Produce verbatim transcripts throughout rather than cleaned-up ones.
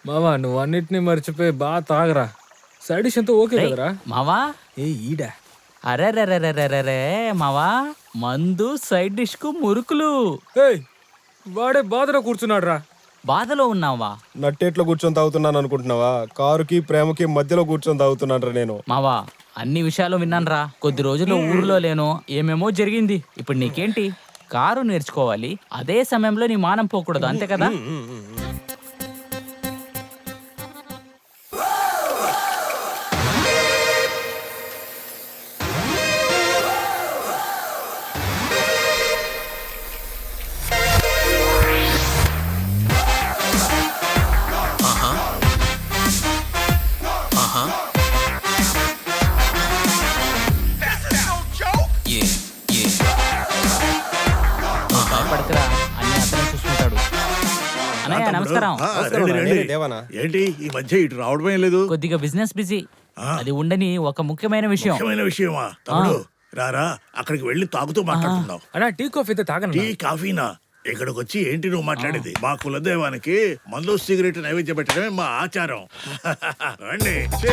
మావా నువ్వు అన్నిటినీ మర్చిపోయి బాగా తాగరా. సైడ్ డిష్ అంతా ఓకే కదరా? మావా ఏ ఈడా అరెరెరెరెరెరే మావా, మందు సైడ్ డిష్ కు మురుకులు. ఏయ్ వాడే బాధలో కూర్చున్నాడు రా. బాధలో ఉన్నావా? నట్టేట్లో కూర్చొని తాగుతున్నాను అనుకుంటున్నావా? కారుకి ప్రేమకి మధ్యలో కూర్చొని తాగుతున్నాను నేను. మావా అన్ని విషయాలు విన్నానురా. కొద్ది రోజుల్లో ఊర్లో లేను, ఏమేమో జరిగింది. ఇప్పుడు నీకేంటి? కారు నేర్చుకోవాలి, అదే సమయంలో నీ మానం పోకూడదు, అంతే కదా? పడకరా అన్ని అతనే చూసుకుంటాడు. అన్నయ్య నమస్కారం. ఆ, రండి, రండి. నేనే దేవనా. ఏంటి ఈ మధ్య ఇటు రావడమే లేదు? కొద్దిగా బిజినెస్ బిజీ. అది ఉండని ఒక ముఖ్యమైన విషయం. ముఖ్యమైన విషయమా? తమ్ముడు రారా, అక్కడికి వెళ్ళి తాగుతూ మాట్లాడుతున్నావు. అన్నా టీ కాఫీ అయితే తాగను. టీ కాఫీనా? ఇక్కడికి వచ్చి ఏంటి నువ్వు మాట్లాడేది? మా కులదైవానికి మందు సిగరెట్ నైవేద్యం పెట్టడమే మా ఆచారం. రండి.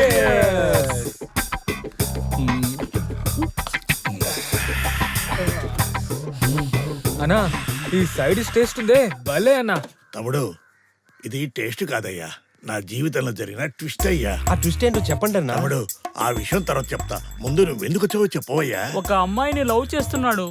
అన్నా ఈ సైడ్ డిష్ టేస్ట్ ఉందే భలే అన్నా. తమ్ముడు ఇది టేస్ట్ కాదయ్యా, నా జీవితంలో జరిగిన ట్విస్ట్ అయ్యా. ఆ ట్విస్ట్ ఏంటో చెప్పండి అన్న. తమ్ముడు ఆ విషయం తర్వాత చెప్తా, ముందు నువ్వు ఎందుకు వచ్చావో చెప్పవయ్యా. ఒక అమ్మాయిని లవ్ చేస్తున్నాడు,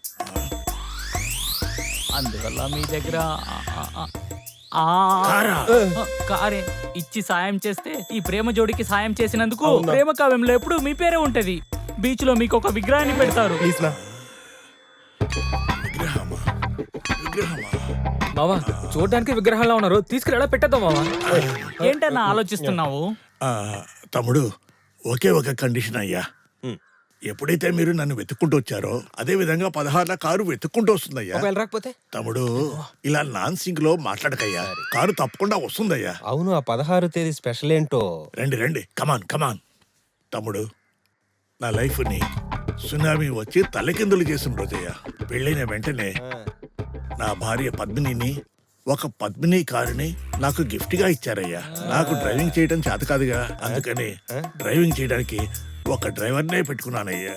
అందువల్ల మీ దగ్గర ఆ- ఆ- ఆ- కారా? కారే ఇచ్చి సాయం చేస్తే ఈ ప్రేమ జోడికి సాయం చేసినందుకు ప్రేమ కావ్యంలో ఎప్పుడు మీ పేరే ఉంటది. బీచ్ లో మీకు ఒక విగ్రహాన్ని పెడతారు. ప్లీజ్ నా. విగ్రహమా? విగ్రహమా? మావా చూడడానికి విగ్రహాల్లో ఉన్నారు, తీసుకురా పెట్టేద్దాం మావా. ఏంటన్నా ఆలోచిస్తున్నావు? ఆ, తమ్ముడు ఒకే ఒక కండిషన్ అయ్యా. ఎప్పుడైతే మీరు నన్ను వెతుక్కుంటూ వచ్చారో అదే విధంగా పదహారుల కారు వెతుక్కుంటూ వస్తుందయ్యా. ఒకవేళ రాకపోతే? తమ్ముడు ఇలా నాన్ సింక్ లో మాట్లాడకయ్యా, కారు తప్పకుండా వస్తుందయ్యా. అవును, ఆ పదహారు తేదీ స్పెషల్ ఏంటో. రండి రండి, కమాన్ కమాన్. తమ్ముడు నా లైఫ్ ని సునామీ వచ్చి తలకిందులు చేసిన రోజయ్యా. పెళ్ళైన వెంటనే నా భార్య పద్మినిని ఒక పద్మిని కారుని నాకు గిఫ్ట్ గా ఇచ్చారయ్యా. నాకు డ్రైవింగ్ చేయడం చేత కాదుగా, అందుకని డ్రైవింగ్ చేయడానికి ఒక డ్రైవర్నే పెట్టుకున్నానయ్యా.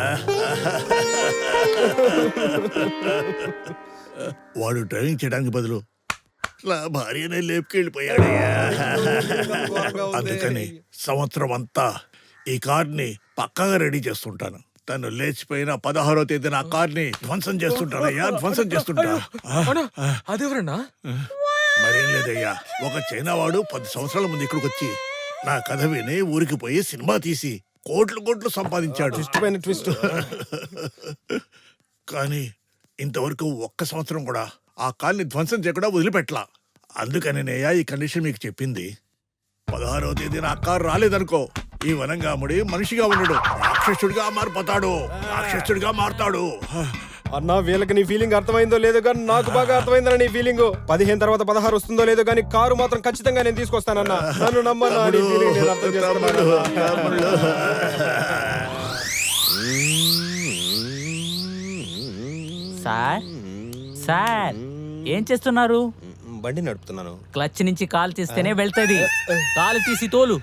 వాడు డ్రైవింగ్ చేయడానికి బదులు నా భార్యనే లేపుకెళ్ళిపోయాడయ్యా. అందుకని సంవత్సరం అంతా ఈ కార్ని పక్కాగా రెడీ చేస్తుంటాను. తను లేచిపోయిన పదహారో తేదీ నా కార్ని ధ్వంసం చేస్తుంటానయ్యా, ధ్వంసం చేస్తుంటా. అదెవరన్నా? మరేం లేదయ్యా, ఒక చైనా వాడు పది సంవత్సరాల ముందు ఇక్కడికి వచ్చి నా కథ విని ఊరికి పోయి సినిమా తీసి కోట్లు కోట్లు సంపాదించాడు. ఇష్టమైన ట్విస్ట్. కానీ ఇంతవరకు ఒక్క సంవత్సరం కూడా ఆ కార్ని ధ్వంసం చేయకుండా వదిలిపెట్టలా. అందుకనేనయ్యా ఈ కండిషన్ మీకు చెప్పింది. పదహారవ తేదీ నా కారు రాలేదనుకో, ఈ వనంగాముడి మనిషిగా ఉండడు, రాక్షసుడిగా మారిపోతాడు, రాక్షసుడిగా మారుతాడు. అన్నా వీళ్ళకి నీ ఫీలింగ్ అర్థమైందో లేదో కానీ నాకు బాగా అర్థమైందన్న నీ ఫీలింగ్. పదిహేను తర్వాత పదహారు వస్తుందో లేదో కానీ కారు మాత్రం ఖచ్చితంగా నేను తీసుకొస్తానన్నా. నన్ను నమ్మన్నా, నీ ఫీలింగ్ నేను అర్థం చేసుకున్నాను. సార్ సార్ ఏం చేస్తున్నారు? బండి నడుపుతున్నాను. క్లచ్ నుంచి కాలు తీస్తేనే వెళ్తది, కాలు తీసి తోలు.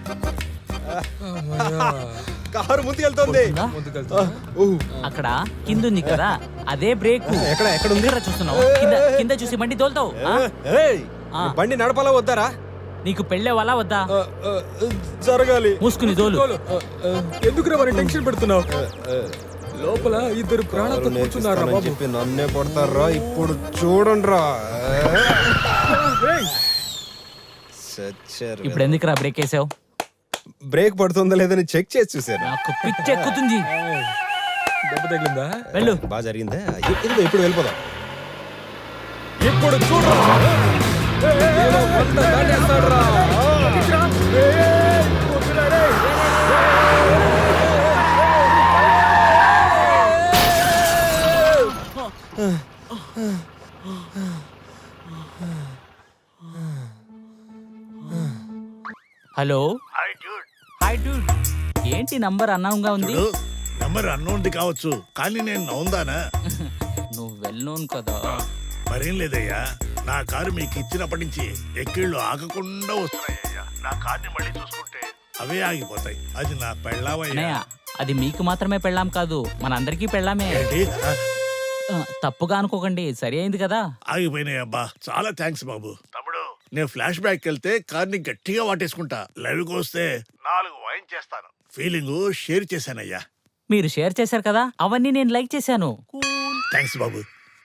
కారు ముందుకు వెళ్తుంది. అక్కడ కింద ఉంది కదా, అదే బ్రేక్. ఎక్కడ ఎక్కడ ఉంది? చూస్తున్నావు? కింద కింద చూసి బండి తోలుతావు. ఆ? ఏయ్, బండి నడపాలా వద్దారా? నీకు పెళ్ళే వాళ్ళ వద్దా? జరగాలి. మూసుకుని తోలు. ఎందుకురా మరి టెన్షన్ పెడుతున్నావు? లోపల ఇద్దరు ప్రాణాలతో కూర్చున్నారా బాబు? చెప్పి నన్నే కొడతారా? ఇప్పుడు చూడండి రా. ఇప్పుడు ఎందుకురా బ్రేక్ వేసావు? బ్రేక్ పడుతుందా లేదని చెక్ చేసి చూసాను. నాకు పిచ్చి ఎక్కుతుంది. దెబ్బ తగిలిందా? వెళ్ళు. బాగా జరిగిందా? ఇదిగో ఇప్పుడు వెళ్ళిపోదాం. ఇప్పుడు చూడరా. Hello hi dude. ఏంటి నంబర్ అన్నంగా ఉంది? నంబర్ అన్నోంది కావచ్చు, కానీ నేను నవ్వుందానా? నువ్వు వెల్ నోన్ కదా. మరేం లేదయ్యా, నా కారు మీకు ఇచ్చినప్పటి నుంచి ఎక్కిళ్ళు ఆగకుండా వస్తున్నాయ్యా. నా కార్ని మళ్ళీ చూసుకుంటే అవే ఆగిపోతాయి. అది నా పెళ్ళావయ్యా. అన్నయ్య అది మీకు మాత్రమే పెళ్ళాం కాదు మనందరికీ పెళ్ళామే. ఏంటి ఆ, ఆ, తప్పుగా అనుకోకండి, సరి అయింది కదా. ఆగిపోయినాయి అబ్బా. చాలా థ్యాంక్స్ బాబు. తమ్ముడు నేను ఫ్లాష్ బ్యాక్ వెళ్తే కార్ని గట్టిగా వాటేసుకుంటా. లైవ్కి వస్తే నాలుగు వైన్ చేస్తాను. ఫీలింగ్ షేర్ చేశానయ్యా. మీరు షేర్ చేశారు కదా, అవన్నీ నేను లైక్ చేశాను. థ్యాంక్స్ బాబు.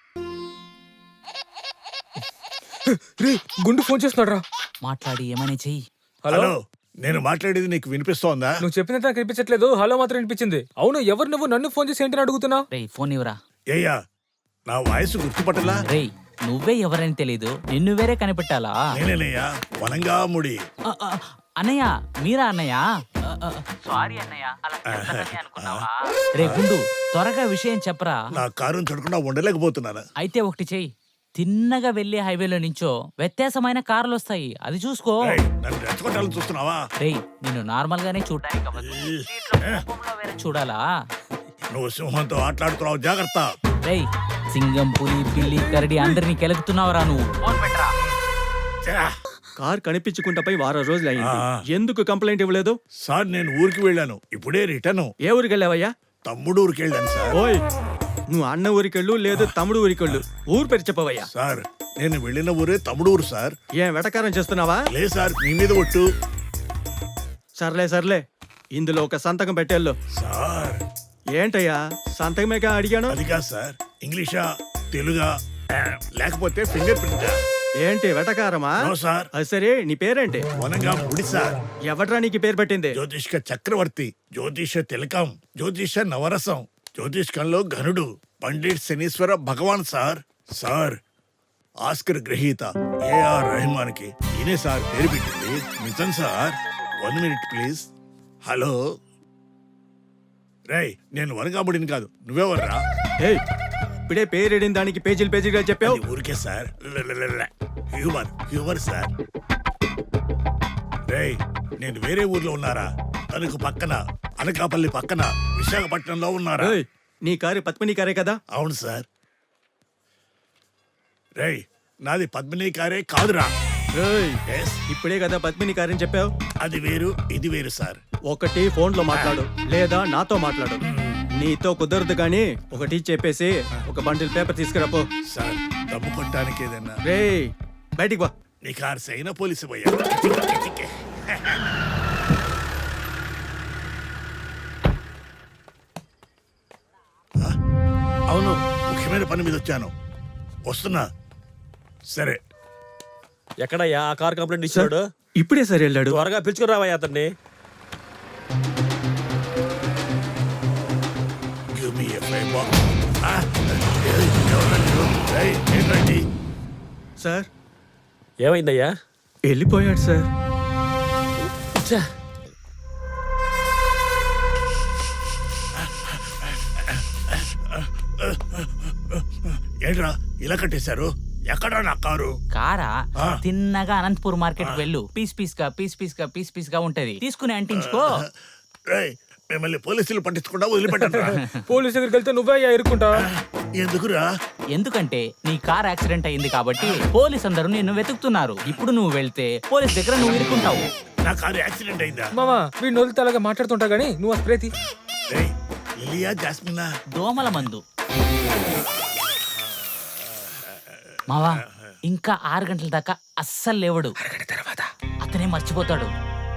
రే గుండు ఫోన్ చేస్తున్నాడు రా. మాట్లాడి ఏమైనా చెయ్యి. హలో హలో, నేను మాట్లాడేది నీకు వినిపిస్తోందా? నువ్వు చెప్పినంత నాకు వినిపించట్లేదు. హలో మాత్రం వినిపించింది. అవును ఎవరు నువ్వు నన్ను ఫోన్ చేసి ఏంటని అడుగుతున్నావు? రేయ్ ఫోన్ ఇవ్వరా. ఏయ్యా, నా వాయిస్ గుర్తుపట్టలా? రేయ్ నువ్వే ఎవరని తెలీదు, నిన్ను వేరే కనిపెట్టాలా? నేనేనయ్యా, వనంగా ముడి. ఆ, ఆ, అన్నయ్య మీరా అన్నయ్య? సారీ అన్నయ్య, అలా చేస్తానని అనుకున్నావా? రే గుండు త్వరగా విషయం చెప్పరా. నా కారుని చూడకుండా ఉండలేకపోతున్నాను. అయితే ఒకటి చెయ్యి, తిన్నగా వెళ్లి హైవేలో నుంచో వ్యత్యాసమైన కార్లు వస్తాయి, అది చూసుకో. ఏయ్, నన్ను రెచ్చగొట్టాలని చూస్తున్నావా? రేయ్ నిన్ను నార్మల్ గానే చూడటానికి అవ్వదు, సీట్లో కోపంలో వేరే చూడాలా? నువ్వు సింహంతో ఆటలాడుతున్నావు, జాగ్రత్త. రేయ్ సింగం పులి పిల్లి కరడి అందరినీ కెలుగుతున్నావురా నువ్వు. ఫోన్ పెట్టరా. ఛా! కార్ కనిపించుకుంటపై వారం రోజులు అయింది. ఆ. ఎందుకు కంప్లైంట్ ఇవ్వలేదు? సార్ నేను ఊరికి వెళ్ళాను, ఇప్పుడే రిటర్న్. ఏ ఊరికి వెళ్ళావయ్యా? తమ్ముడు ఊరికి వెళ్ళాను సార్. ఓయ్ నువ్వు అన్న ఊరికెళ్ళు లేదు తమ్ముడు ఊరికెళ్ళు, ఊరు పేరు చెప్పవయ్యా. సార్ నేను వెళ్ళిన ఊరే తమ్ముడు ఊరు సార్. ఏం వెటకారం చేస్తున్నావా? లే సార్, మీ మీద ఒట్టు. సర్లే సర్లే, ఇందులో ఒక సంతకం పెట్టేళ్ళు. సార్ ఏంటయ్యా సంతకమేగా అడిగాను? అది కాదు సార్, ఇంగ్లీషా తెలుగా ఆ, లేకపోతే ఫింగర్ ప్రింటా? ఏంటి వెటకారమా? నో సార్, అది సరే, నీ పేరేంటి? వనంగా ముడి సార్. ఎవట్రా నీకు పేరు పెట్టింది? జ్యోతిష్క చక్రవర్తి, జ్యోతిష తిలకం, జ్యోతిష నవరసం, జ్యోతిష్కంలో ఘనుడు, Pandit Shanishwara Bhagavan sir. Sir Oscar గ్రహీత ఏఆర్ రెహమాన్ కి ఈయనే సార్ పేరు పెట్టింది. నిజం sir. One minute please. Hello రేయ్, నేను వనగాముడిని కాదు, నువ్వెవర్రా? ఏయ్ ఇప్పుడే పేరేడిన దానికి పేజీలు పేజీలుగా చెప్పావు. అది ఊరికే సార్, హ్యూమర్ హ్యూమర్ సార్. రేయ్ నేను వేరే ఊర్లో ఉన్నారా? తనకు పక్కన అనకాపల్లి పక్కన విశాఖపట్నంలో ఉన్నారా? ఏయ్, నీ కారు పద్మిని కారే కదా? అవును సార్. రేయ్ నాది పద్మిని కారే కాదురా. ఏయ్, Yes, ఇప్పుడే కదా పద్మిని కారని చెప్పావు. అది వేరు ఇది వేరు సార్. ఒకటి ఫోన్ లో మాట్లాడు లేదా నాతో మాట్లాడు. నీతో కుదరదు గాని ఒకటి చెప్పేసి ఒక బండిల్ పేపర్ తీసుకురాపో. సార్ దమ్ము కొట్టడానికి ఏదన్నా? రేయ్ బయటికి వా. నీ కారు సైన పోలీసు పోయా. అవును, ముఖ్యమైన పని మీద వచ్చాను, వస్తున్నా. సరే ఎక్కడయ్యా ఆ కార్ కంప్లైంట్ ఇచ్చాడు? ఇప్పుడే సరే వెళ్ళాడు. త్వరగా పిలుచుకురావయ్యా అతన్ని. Give me a favor. Ah, ఏయ్, ఎవరా మీరు? ఏయ్, ఏంటండి? సార్ ఏమైందయ్యా? వెళ్ళిపోయాడు సార్. ఛ! ఏంట్రా ఇలా కట్టేశారు? ఎక్కడా నా కారు? కారా ఆ. తిన్నగా అనంతపూర్ మార్కెట్ వెళ్ళు, పీస్ పీస్ గా పీస్ పీస్ గా పీస్ పీస్ గా ఉంటది, తీసుకుని అంటించుకో. రేయ్ మిమ్మల్ని పోలీసులు పట్టించకుండా వదిలిపెట్టరా? పోలీస్ దగ్గరికి వెళ్తే నువ్వే అయ్యా ఇరుక్కుంటా. ఎందుకురా? ఎందుకంటే నీ కార్ యాక్సిడెంట్ అయింది కాబట్టి పోలీస్ అందరూ నిన్ను వెతుకుతున్నారు. ఇప్పుడు నువ్వు వెళ్తే పోలీస్ దగ్గర నువ్వు ఇరుక్కుంటావు. నా కారు యాక్సిడెంట్ అయిందా? మామా వీడిని వదిలితే అలాగా మాట్లాడుతుంటా గానీ నువ్వు ఆ స్ప్రే తీ. రేయ్ లిలియా జాస్మినా? దోమల మందు. మావా ఇంకా ఆరు గంటల దాకా అస్సలు లేవడు, అతనే మర్చిపోతాడు.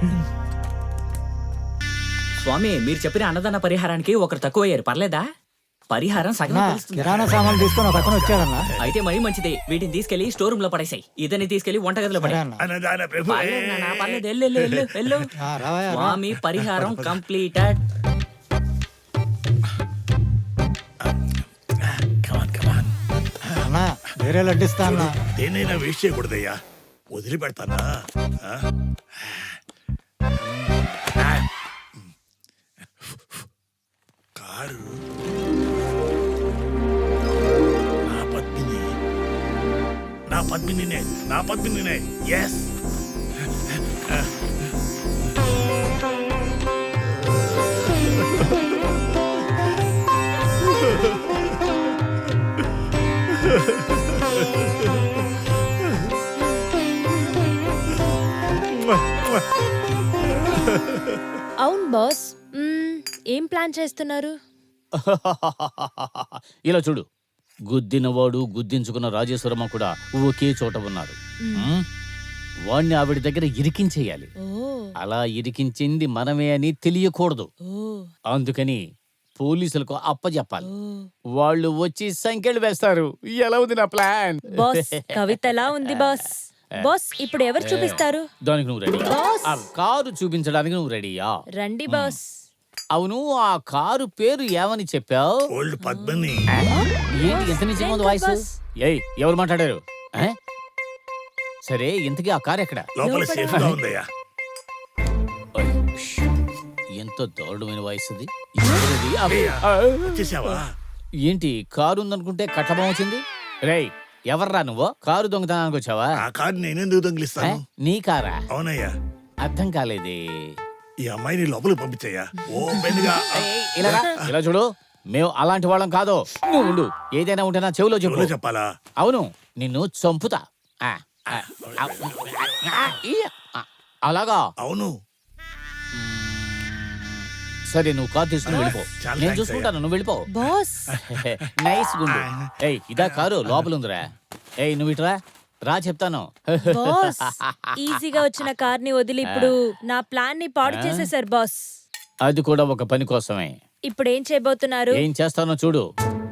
స్వామి మీరు చెప్పిన అన్నదాన పరిహారానికి ఒకరు తక్కువయ్యారు, పర్లేదా? పరిహారం సగం తెలుస్తుంది. కిరాణా సామాన్లు తీసుకొని ఒక అతను వచ్చాడన్నా. అయితే మరీ మంచిదే, వీటిని తీసుకెళ్లి స్టోర్ రూమ్ లో పడేసాయి, ఇతన్ని తీసుకెళ్లి వంటగదిలో పడే. అన్నదాన ప్రభు. పర్లేదు నాన్న, పర్లేదు, వెళ్ళు, వెళ్ళు, వెళ్ళు, వెళ్ళు. ఆ, రావయ్యా, రా. స్వామి పరిహారం కంప్లీటెడ్. అన్నా వేరే లడ్డిస్తా అన్నా. దేనైనా వేస్ట్ చేయకూడదయ్యా, వదిలిపెడతానా? ఆ? కారు నా పద్మిని, నా పద్మినినే, నా పద్మినినే. ఎస్ అవును బాస్. మ్మ్, ఏం ప్లాన్ చేస్తున్నారు? ఇలా చూడు, గుద్దినవాడు గుద్దించుకున్న రాజేశ్వరమ్మ కూడా ఒకే చోట ఉన్నారు. మ్మ్? వాణ్ణి ఆవిడ దగ్గర ఇరికించేయాలి. ఓ అలా ఇరికించింది మనమే అని తెలియకూడదు. ఓ అందుకని పోలీసులకు అప్పచెప్పాలి. ఓ. వాళ్ళు వచ్చి సంఖ్యలు వేస్తారు. ఎలా ఉంది నా ప్లాన్? బాస్ కవితలా ఉంది బాస్. బాస్ ఇప్పుడు ఎవరు చూపిస్తారు? దానికి నువ్వు రెడీ? బాస్. ఆ కారు చూపించడానికి నువ్వు రెడీయా? రండి బాస్. అవును, ఆ కారు పేరు ఏమని చెప్పావు? ఓల్డ్ పద్మని. ఏంటి ఎంత నిజంగా ఉంది వాయిస్? బాస్. ఏయ్, ఎవరు మాట్లాడారు? ఆ? సరే, ఇంతకీ ఆ కారు ఎక్కడ? లోపల లోపల. సేఫ్ గా ఉందయ్యా. ఓయ్, ష్. ఎంత దారుణమైన వాయిస్ అది. ఎవరది? అయ్యా, ఆ, వచ్చేసావా? ఏంటి కారు ఉందనుకుంటే కట్టబం వచ్చింది? రేయ్, ఎవర్రా నువ్వు? కారు దొంగతనానికి వచ్చావా? ఆ కారు నేనెందుకు ఆ? దొంగిలిస్తాను? నీ కారా? అవునయ్యా. అర్థం కాలేదే. ఈ అమ్మాయిని లోపలికి పంపించయ్యా. ఓపెన్ గా. ఏయ్, ఇలా రా. ఇలా చూడు, మేము అలాంటి వాళ్ళం కాదు. నువ్వు ఉండు. ఏదైనా ఉంటే నా చెవిలో చెప్పు. ఎవరో చెప్పాలా? అవును, నిన్ను చంపుతా. ఆ, ఆ, ఆ, ఆ, ఈ, ఆ, అలాగా? అవును. సరే, నువ్వు కారు తీసుకుని వెళ్ళిపో. చాలా నేను థాంక్స్ చూసుకుంటాను, నువ్వు వెళ్ళిపో. బాస్ నైస్ గుండు. ఏయ్, ఇదా కారు? లోపల ఉందిరా. ఏయ్, నువ్వు ఇటురా రా, చెప్తాను. బాస్ ఈజీగా వచ్చిన కార్ ని వదిలి ఇప్పుడు నా ప్లాన్ ని పాడు చేసేసారు బాస్. అది కూడా ఒక పని కోసమే. ఇప్పుడు ఏం చేయబోతున్నారు? ఏం చేస్తానో చూడు.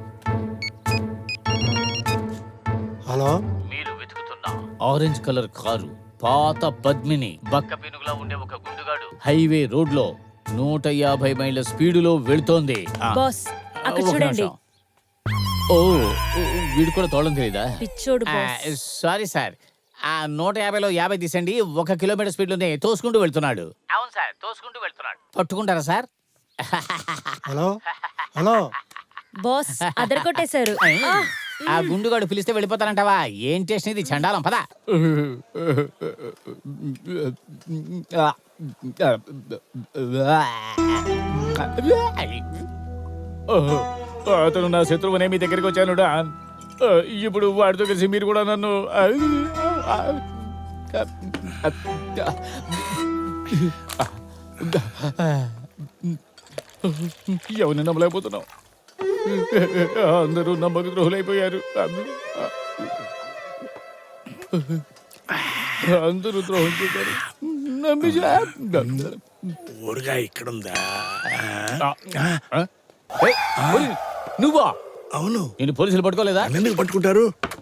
హలో, మీరు వెతుకుతున్న ఆరెంజ్ కలర్ కారు పాత పద్మిని బక్క పెనుగులా ఉండే ఒక గుండుగాడు హైవే రోడ్ లో నూట యాభై మైళ్ళ స్పీడులో వెళ్తోంది. ఆ, బాస్ అక్కడ ఒక చూడండి. నిమిషం. ఓ, ఓ, వీడు కూడా తోడం తెలీదా? పిచ్చోడు బాస్. సారీ సార్, ఆ నూట యాభైలో యాభై తీసండి. ఒక కిలోమీటర్ స్పీడ్ లోనే తోసుకుంటూ వెళ్తున్నాడు. అవును సార్, తోసుకుంటూ వెళ్తున్నాడు. పట్టుకుంటారా సార్? Hello, hello. బాస్ అదరగొట్టేశారు. ఆ, ఆ గుండుగాడు పిలిస్తే వెళ్ళిపోతానంటావా? ఏం టేస్ట్ ఇది? చండాలం, పదా. అతను నా శత్రువునే మీ దగ్గరికి వచ్చాను డాన్. ఇప్పుడు వాడితో కలిసి మీరు కూడా నన్ను ఎవరిని నమ్మలేకపోతున్నావు? అందరూ నమ్మక ద్రోహులైపోయారు. అందరూ ద్రోహం చేశారు. నమ్మించా. ఊరుగా ఇక్కడుందా? ఏయ్, పోలీ- నువ్వా? అవును. నేను పోలీసులు పట్టుకోలేదా? ఎందుకు పట్టుకుంటారు?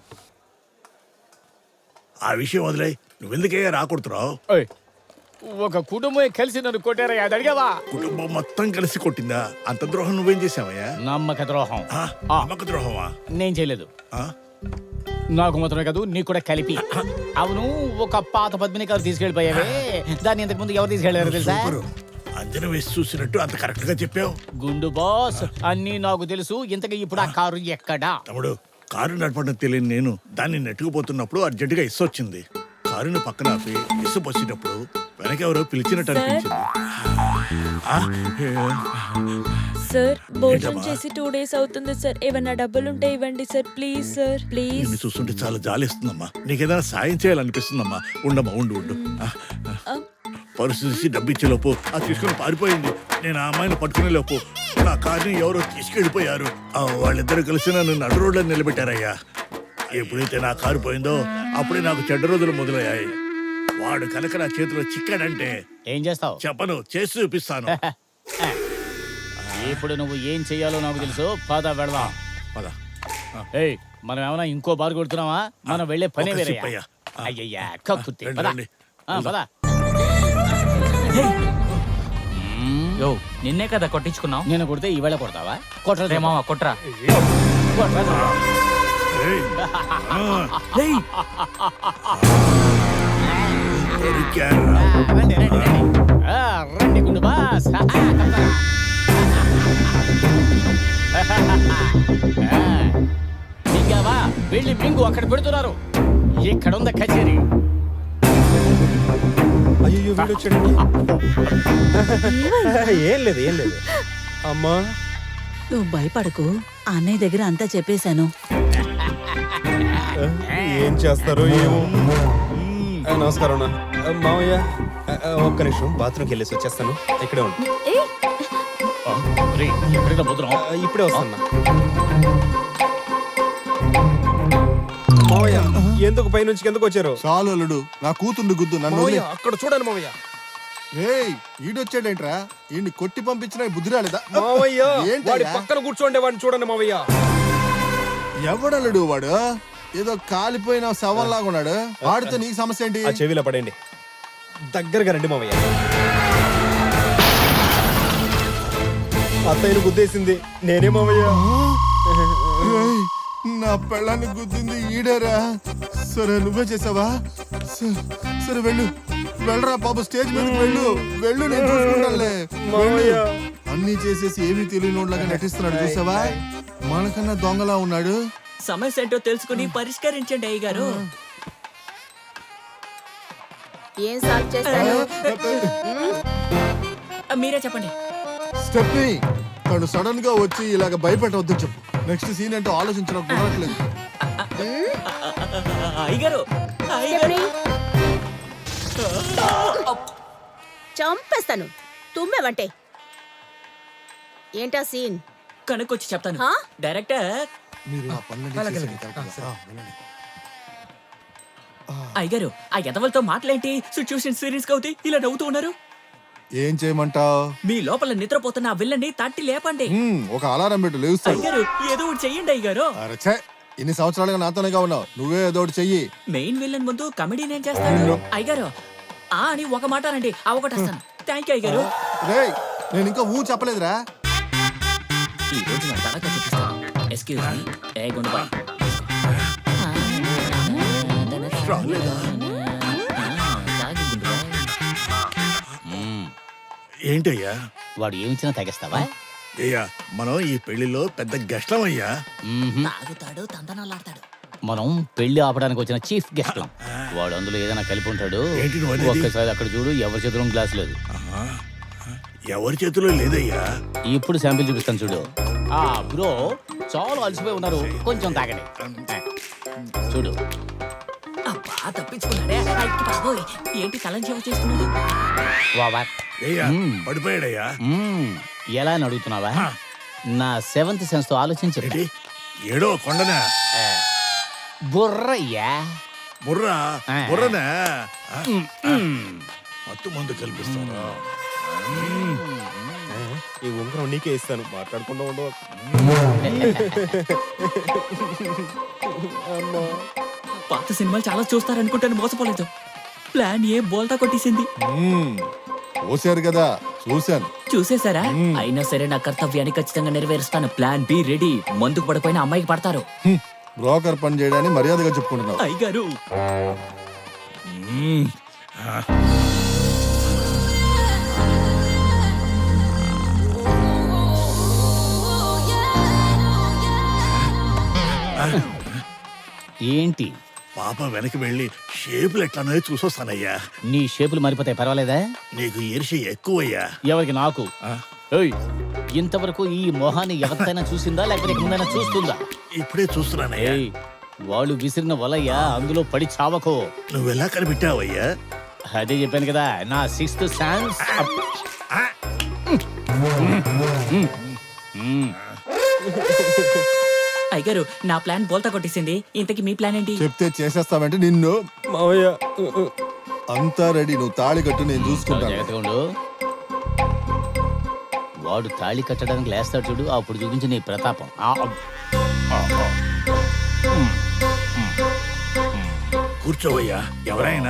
ఆ విషయం వదిలే. నువ్వెందుకయ్యా రాకూడుతున్నావు? ఏయ్, ఒక కుటుంబం కలిసి నన్ను కొట్టారా? అది అడిగావా? కుటుంబం మొత్తం కలిసి కొట్టిందా? అంత ద్రోహం నువ్వేం చేసావయ్యా? నమ్మక ద్రోహం ఆ, ఆ. నమ్మక ద్రోహమా? నేను చేయలేదు. ఆ? నాకు మాత్రమే కాదు, నీకు కూడా కలిపి. అవును, ఒక పాత పద్మిని కారు తీసుకెళ్లిపోయావే, దాన్ని ఇంతకు ముందు ఎవరు తీసుకెళ్లారు తెలుసా? సూపరు. అంజన వేసి చూసినట్టు అంత కరెక్ట్ గా చెప్పావు. గుండు బాస్, అన్నీ నాకు తెలుసు. ఇంతకీ ఇప్పుడు ఆ కారు ఎక్కడా? తమ్ముడు, కారు నడపడం తెలియని నేను దాన్ని నెట్టుకుపోతున్నప్పుడు అర్జెంటుగా ఇసు వచ్చింది. కారుని పక్కన ఆపి ఇసు వచ్చినప్పుడు వెనకెవరో పిలిచినట్టు అనిపించింది. ఆ? సార్ భోజనం ఏంటమ్మా? చేసి టూ డేస్ అవుతుంది సార్. ఏమన్నా డబ్బులుంటే ఇవ్వండి సార్, ప్లీజ్ సార్, ప్లీజ్. నిన్ను చూస్తుంటే చాలా జాలిస్తుందమ్మా. నీకేదైనా సాయం చేయాలనిపిస్తుందమ్మా. ఉండమ్మా, ఉండు ఉండు. ఆ, ఆ. పరుసు తీసి డబ్బు ఇచ్చే లోపు ఆ తీసుకుని పారిపోయింది. నేను ఆ అమ్మాయిని పట్టుకునే లోపు నా కార్ని ఎవరో తీసుకెళ్ళిపోయారు. ఆ, వాళ్ళిద్దరు కలిసి నన్ను నడు రోడ్లో నిలబెట్టారయ్యా. ఎప్పుడైతే నా కారు పోయిందో అప్పుడే నాకు చెడ్డ రోజులు మొదలయ్యాయి. వాడు కనుక నా చేతిలో చిక్కాడంటే ఏం చేస్తావు? చెప్పను, చేసి చూపిస్తాను. ఇప్పుడు నువ్వు ఏం చెయ్యాలో నాకు తెలుసు. పద వెళదాం. పద. ఏయ్, మనం ఏమైనా ఇంకో బారు కొడుతున్నావా? మనం వెళ్ళే పనే ఒక వేరే. సిప్ అయ్యా. ఆ. అయ్యయ్యా, కక్కుర్తి. రండి, పద. రండి. ఆ, పద. యో నిన్నే కదా కొట్టించుకున్నావు. నేను కొడితే ఈవేళ కొడతావా? కొట్టరా రే మామ కొట్రా. కొట్టరా. ఏయ్. ఆ. దొరికారా? రండి, రండి, రండి. ఆ, రండి గుండు బాస్. మింగావా? వెళ్ళి మింగు, అక్కడ పెడుతున్నారు. ఇక్కడ ఉందా కచేరీ? అయ్యో, వీడు వచ్చాడండి. ఏం లేదు, ఏం లేదు. అమ్మా, నువ్వు భయపడకు, అన్నయ్య దగ్గర అంతా చెప్పేశాను. ఏం చేస్తారో ఏమో. నమస్కారం అన్న. ఆ, మావయ్య ఆ, ఆ, ఒక్క నిమిషం బాత్రూమ్కి వెళ్ళేసి వచ్చేస్తాను. ఇక్కడే ఉంటాను. ఎక్కడికి భద్రం ఇప్పుడే వస్తాను. మావయ్య ఎందుకు పైనుంచి ఎందుకు వచ్చారు? చాలు అల్లుడు, నా కూతుండు గుద్దు నన్ను మావయ్య వదిలే. అక్కడ చూడండి మావయ్య. ఏయ్ ఈడొచ్చాడేంట్రా? ఈయన్ని కొట్టి పంపించిన బుద్ధి రాలేదా? మావయ్య ఏంటయ్యా? వాడి పక్కన కూర్చోండి, వాడిని చూడండి మావయ్య. ఎవడల్లుడు వాడు? ఏదో కాలిపోయిన శవంలాగా ఉన్నాడు. వాడితో నీకు సమస్య ఏంటి? ఆ చెవిలో పడండి. దగ్గరగా రండి మావయ్య. అత్తయ్యను గుద్దేసింది నేనే మావయ్య. ఏయ్, నా పెళ్ళాన్ని గుద్దింది ఈడేరా. సరే నువ్వే చేసావా? స- సరే వెళ్ళు, వెళ్ళరా బాబు, స్టేజ్ మీదకి వెళ్ళు. వెళ్ళు, నేను చూసుకుంటానులే. మావయ్య. వెళ్ళు. అన్నీ చేసేసి ఏమీ తెలియనోడ్లాగా నటిస్తున్నాడు చూసావా? మనకన్నా దొంగలా ఉన్నాడు. సమస్య ఏంటో తెలుసుకుని పరిష్కరించండి అయ్య గారు. ఏం సాల్వ్ చేస్తాను? మీరే చెప్పండి. స్టెప్ని తను సడన్ గా వచ్చి ఇలాగ భయపెట్టవద్దని చెప్పు. నెక్స్ట్ సీన్ ఏంటో ఆలోచించడం కుదరట్లేదు. అయ్యగారు అయ్యగారు చంపేస్తాను. తుమ్మెవంటే ఏంటా సీన్? కనుక్కొచ్చి చెప్తాను. హా? డైరెక్టర్ మీరు ఆ పనులన్నీ చేసేయండి కరెక్ట్గా. ఆ, వెళ్ళండి. అయ్యగారు ఆ ఎదవలతో మాటలేంటి? సిచ్యువేషన్ సీరియస్ గా అవుతాయి. ఇలా నవ్వుతూ ఉన్నారు. ఏం చేయమంటావు? మీ లోపల నిద్రపోతున్న ఆ విల్లని తట్టి లేపండి. ఒక అలారం పెట్టు, లేస్తాడు. అయ్యగారు ఏదో ఒకటి చెయ్యండి అయ్యగారు. అరచే, ఇన్ని సంవత్సరాలుగా నాతోనేగా ఉన్నావు. నువ్వే ఏదో ఒకటి చెయ్యి. మెయిన్ విలన్ ముందు కమెడీ నేను చేస్తాను. అయ్యగారు ఆ అని ఒక మాట అనండి, ఆ ఒకటి వస్తాను. థ్యాంక్ యూ అయ్యగారు. రేయ్, నేను ఇంకా ఊ చెప్పలేదురా. ఈ రోజు నా తడక చూపిస్తాను. ఎక్స్క్యూజ్ మీ ఏ గుండబాయ్. ఏంటయ్యా? వాడు ఏమిచ్చినా తగ్గిస్తావా? అయ్యా మనం ఈ పెళ్లిలో పెద్ద గెస్ట్లమయ్యా. మ్మ్హ్మ్. తాగుతాడు తందనాలాడతాడు. మనం పెళ్లి ఆపడానికి వచ్చిన చీఫ్ గెస్ట్ వాడు అందులో ఏదైనా కలిపి ఉంటాడు. ఏంటి నువ్వు అనేది? ఒక్కసారి అక్కడ చూడు, ఎవరి చేతిలో గ్లాస్ లేదు. ఆహా. ఎవరి చేతిలో లేదయ్యా. ఇప్పుడు శాంపిల్ చూపిస్తాను చూడు. ఆ బ్రో చాలా అలసిపోయి ఉన్నారు, కొంచెం తాగండి. చూడు అబ్బా తప్పించుకున్నాడే. అయ్యి బాబోయ్, ఏంటి తలంచేవ చేసుకున్నాడు? వావా. అయ్యా మ్మ్. పడిపోయాడయ్యా. మ్మ్. ఎలా అని అడుగుతున్నావా? నా సెవెంత్ సెన్స్ తో ఆలోచించి ఏంటి ఏడో కొండనా? బుర్రయ్యా. బుర్రా ఆ. బుర్రనా? ఆ? మ్మ్. మత్తు మందు కల్పిస్తారా? ఈ ఉంగరం నీకే ఇస్తాను, మాట్లాడకుండా ఉండవు. పాత సినిమాలు చాలా చూస్తారనుకుంటాను, మోసపోలేదు. ప్లాన్ ఏ బోల్తా కొట్టేసింది. మ్మ్. పోసారు కదా, చూశాను. చూసేశారా? అయినా సరే నా కర్తవ్యాన్ని ఖచ్చితంగా నెరవేరుస్తాను. Plan be ready. మందుకు పడిపోయిన అమ్మాయికి పడతారు. హ్మ్. బ్రోకర్ పని చేయడాన్ని మర్యాదగా చెప్పుకుంటున్నావు. అయ్యగారు ఏంటి పాప వెనక్కి వెళ్ళి షేపులు ఎట్లానో చూసొస్తానయ్యా. నీ షేపులు మారిపోతాయి, పర్వాలేదా? నీకు ఈర్ష్య ఎక్కువయ్యా. ఎవరికి? నాకు. ఏయ్, ఇంతవరకు ఈ మొహాన్ని ఎవరికైనా చూసిందా, లేకపోతే ఇక ముందైనా చూస్తుందా? ఇప్పుడే చూస్తున్నానయ్యా. ఏయ్, వాళ్ళు విసిరిన వలయ్యా, అందులో పడి చావకో. నువ్వెలా కనిపెట్టావయ్యా? అదే చెప్పాను కదా, నా సిక్స్త్ సెన్స్. అయ్యగారు నా ప్లాన్ బోల్తా కొట్టేసింది. ఇంతకి మీ ప్లాన్ ఏంటి? చెప్తే చేసేస్తావంటే నిన్ను. మావయ్య అంతా రెడీ, నువ్వు తాళి కట్టు, నేను చూసుకుంటాను. జాగ్రత్తగా ఉండు. వాడు తాళి కట్టడానికి లేస్తాడు చూడు, అప్పుడు చూపించి నీ ప్రతాపం. ఆ, ఆ, ఆ. కూర్చోవయ్యా. ఎవరైనా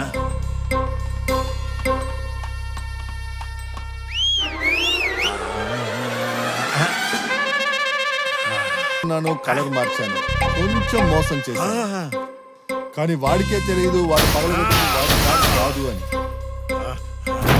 నాను కలర్ మార్చాను, కొంచెం మోసం చేశాను. ఆహా. కానీ వాడికే తెలియదు వాడు పగలగొట్టింది వాడు కాదు కాదు అని.